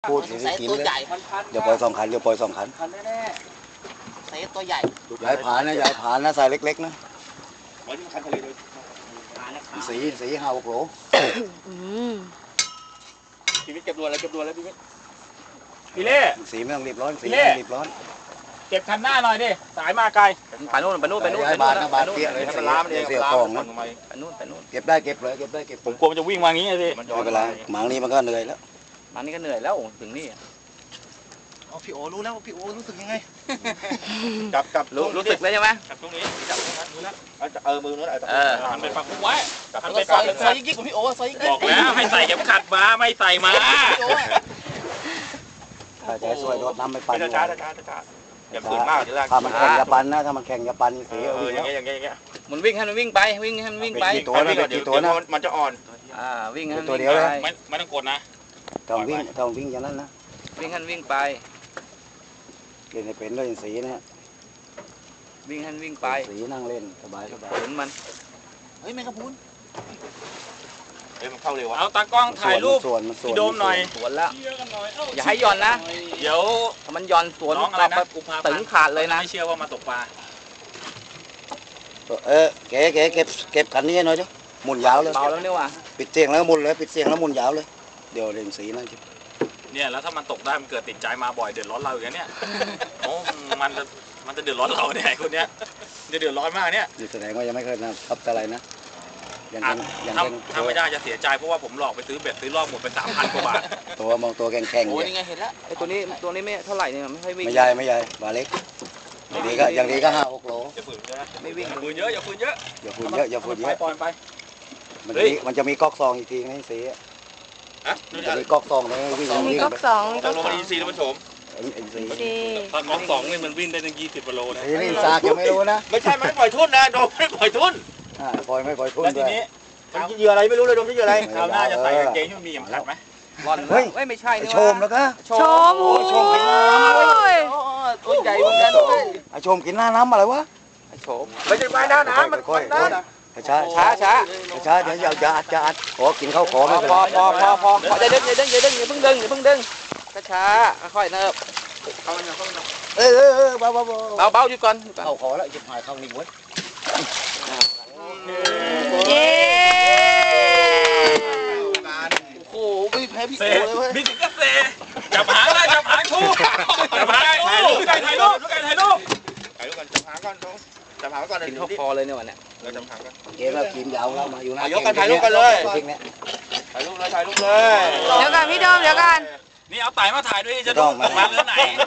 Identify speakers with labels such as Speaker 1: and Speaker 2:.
Speaker 1: พูดถึงกินเลยเดี๋ยวปล่อยสองขันเดี๋ยวปล่อยสองขัน
Speaker 2: แน่ๆเซฟตัวใหญ่
Speaker 1: ย้ายผ่านนะย้ายผ่านนะใส่เล็กๆนะสี5-6 โหล
Speaker 2: พี่วิทย์เก็บรวนแล้วพี่วิทย์
Speaker 3: พี่เล่
Speaker 1: สีไม่ต้องรีบร้อนสีไม่ต้องรีบร้อน
Speaker 3: เก็บคันหน้าหน่อยดิสายมาไกล
Speaker 2: ไปนู่น
Speaker 1: ย้ายบานนะบานเตี้ยเลยเสียกองนะ
Speaker 2: ไปนู่น
Speaker 1: เก็บได้เก็บเลยเก็บได้เก็บ
Speaker 3: ผมกลัวมันจะวิ่งมางี้สิ
Speaker 1: ไม่เป็นไรหมางนี้มันก็เหนื่อยแล้ว
Speaker 2: มันนี่ก็เหนื่อยแล้วถึงนี่
Speaker 3: พี่โอรู้แล้วพี่โอรู้สึกยังไง
Speaker 2: กับรู้สึกเลยใช่ไหม
Speaker 3: กับตรงนี้จับตรงนั้นรู้แล้ว
Speaker 2: มือนู้น
Speaker 3: หันไปฝั่งไว้
Speaker 2: หันไปฝั่งซอยยิ่งกว่าพี่โอซอยยิ่ง
Speaker 3: บอกแล้วให้ใส่เข็มขัดมาไม่ใส่มา
Speaker 1: ใจสวยโดดน้ำไม่ปั่น
Speaker 3: ช้าอย่าฝืนมากเดี๋ยว
Speaker 1: ถ้ามันแข่งอย่าปั่นนะถ้ามันแข่งอย่าปั่นสี
Speaker 3: อย่างเงี้ย
Speaker 2: มันวิ่งให้มันวิ่งไปวิ่งให้มันวิ่งไป
Speaker 1: ตัวนะตัวนะ
Speaker 3: มันจะอ่อน
Speaker 2: วิ่งให้
Speaker 1: ตัวเดียวเลย
Speaker 3: ไม่ต้องกดนะ
Speaker 1: ต้องวิ่งอย่างนั้นนะ
Speaker 2: วิ่งให้วิ่งไป
Speaker 1: เล่นให้เป็นเลยสีนะ
Speaker 2: วิ่งให้วิ่งไป
Speaker 1: สีนั่งเล่นสบาย
Speaker 2: เห็นมัน
Speaker 3: เฮ้ยแมงกะพรุนมันเข้าเร็วเอาตากล้องถ่ายรูปพี่โดมหน่อย
Speaker 2: สวนแล้วอย่าให้ย่อนนะ
Speaker 3: เดี๋ยว
Speaker 2: ถ้ามันย่อนสวนตึงขาดเลยนะ
Speaker 3: ไม่เชื่อว่ามาตกปลา
Speaker 1: เก็บขันนี้หน่อยดิหมุนยาวเลย
Speaker 2: เบาแล้วเนี่ยว่ะ
Speaker 1: ปิดเสียงแล้วหมุนเลยปิดเสียงแล้วหมุนยาวเลยเดี๋ยวเล่นสีนั่น
Speaker 3: เนี่ยแล้วถ้ามันตกได้มันเกิดติดใจมาบ่อยเดือดร้อนเราอย่างเนี้ยโอ้มันจะเดือดร้อนเราเนี่ยคนเนี้ยจะเดือดร้อนมากเนี่ย
Speaker 1: แสดงว่ายังไม่เคยนะทับอะไรนะ
Speaker 3: ถ้าไม่ได้จะเสียใจเพราะว่าผมหลอกไปซื้อเบ็ดซื้อรอบหมดไป3,000 กว่าบาท
Speaker 1: ตัวมองตัวแข็งๆ
Speaker 2: โอ้ยไงเห็นแล้วไอ้ตัวนี้ไม่เท่าไหร่เนี่ยไม่ค่อยวิ่ง
Speaker 1: ไม่ใหญ่บาเล็กอย่างดีก็5-6 โล
Speaker 2: ไม่วิ่ง
Speaker 3: อย่าฝืนเยอะ
Speaker 1: อย่าฝืนเยอะ
Speaker 3: ปล่อยไป
Speaker 1: มันจะมีก๊อกซองอีกทีให้สีมันจะมีก๊อกซองเลยวิ่ง
Speaker 4: มีก๊อกสอง
Speaker 3: ต้องลงมาอินซีท่านผู้ชมถ้าก๊อก2นี่มันวิ่งได้ตั้ง20 กิโลนะ
Speaker 1: นี่ซากยังไม่รู้นะ
Speaker 3: ไม่ใช่ไม่ปล่อยทุ่นนะโดมไม่ปล่อยทุ่น
Speaker 1: ปล่อยไม่ปล่อยทุ่น
Speaker 3: ด้วยมันเหยื่ออะไรไม่รู้เลยโดมที่เหยื่ออะไรคราวหน้าจะใส่กางเกงที่มันมีเข็มขัดไหม
Speaker 1: เฮ้ย
Speaker 2: ไม่ใช่
Speaker 1: โชมแล้วก็
Speaker 4: โชม
Speaker 2: ตัวใหญ่เหมือนกัน
Speaker 1: โชมกินหน้าน้ำอะไรวะ
Speaker 2: โชม
Speaker 3: ไม่ใช่หน้าน้ำมัน
Speaker 1: ค่อยช้าเดี๋ยวจะอัดขอกินข้าวขอไม่เป็น
Speaker 2: พออย่าเพิ่งดึงช้าค่อยเนิบเบาอยู่ก่อน
Speaker 1: เข้าขอแล้วจะหายเข้านี่วะ
Speaker 4: เย้
Speaker 2: โอ้ไม่แพ้พี่โอเลยเว้ย
Speaker 3: มีถึงก็เซจับหางได้จับหางทูจับหางถ่ายรูปกันจับหางก่อน
Speaker 2: กินข้าวคอเลยเนี่ยวันเนี้ย
Speaker 3: เราจับหางกัน
Speaker 1: เกมแล้วกินยาวแล้วมาอยู่นะ
Speaker 3: ยกกันถ่ายรูปกันเลยถ่ายรูปเลย
Speaker 4: เดี๋ยวกันพี่โดมเดี๋ยวกัน
Speaker 3: นี่เอาไต่มาถ่ายด้วยจะดูมาเรื่องไหน